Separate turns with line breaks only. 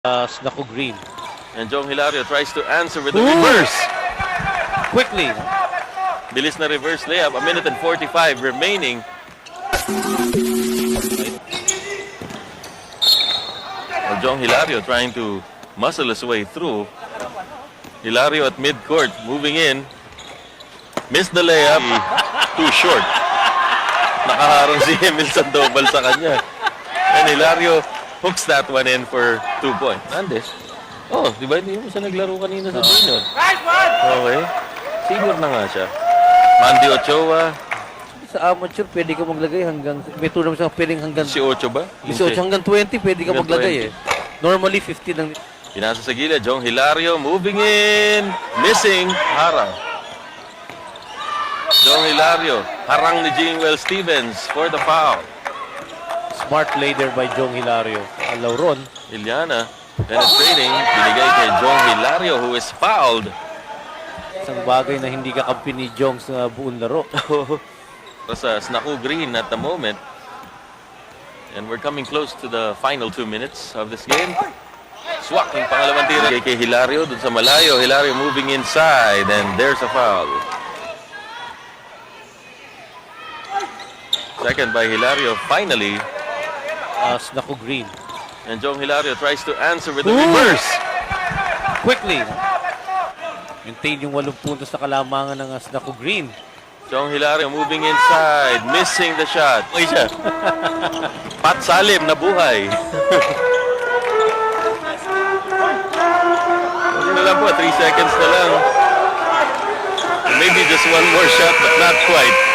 Snaku Green.
And Jong Hilario tries to answer with the reverse.
Quickly.
Bilis na reverse layup. 1 minute and 45 remaining. Well, Jong Hilario trying to muscle his way through. Hilario at midcourt, moving in. Missed the layup. Too short. Nakaharang si Emil Sandoval sa kanya. And Hilario hooks that one in for 2 points. Andes. Oh, di ba hindi mo siya naglaro kanina sa junior? Okay. Senior na nga siya. Mandy Ochoa.
Sa amateur, pwede ka maglagay hanggang... May tournament siya pwedeng hanggang...
18 ba?
18 hanggang 20, pwede ka
Hanggang
maglagay eh. Normally, 15 lang.
Pinasa sa gilid. Jong Hilario moving in. Missing. Harang. Jong Hilario. Harang ni Jingwell Stevens for the foul.
Smart play there by Jong Hilario. Lauron.
Iliana. Penetrating. Binigay kay Jong Hilario who is fouled.
Isang bagay na hindi kakampi ni Jong sa buong laro.
Sa Snaku Green at the moment. And we're coming close to the final 2 minutes of this game. Swak yung pangalawang tira kay Hilario dun sa malayo. Hilario moving inside and there's a foul. Second by Hilario finally.
Snaku Green.
And Jong Hilario tries to answer with the reverse.
Quickly. Maintain yung 8 puntos na kalamangan ng Snaku Green.
Jong Hilario moving inside, missing the shot. Uy siya. Pat Salim na buhay. Hindi na lang po, 3 seconds na lang. Maybe just one more shot but not quite.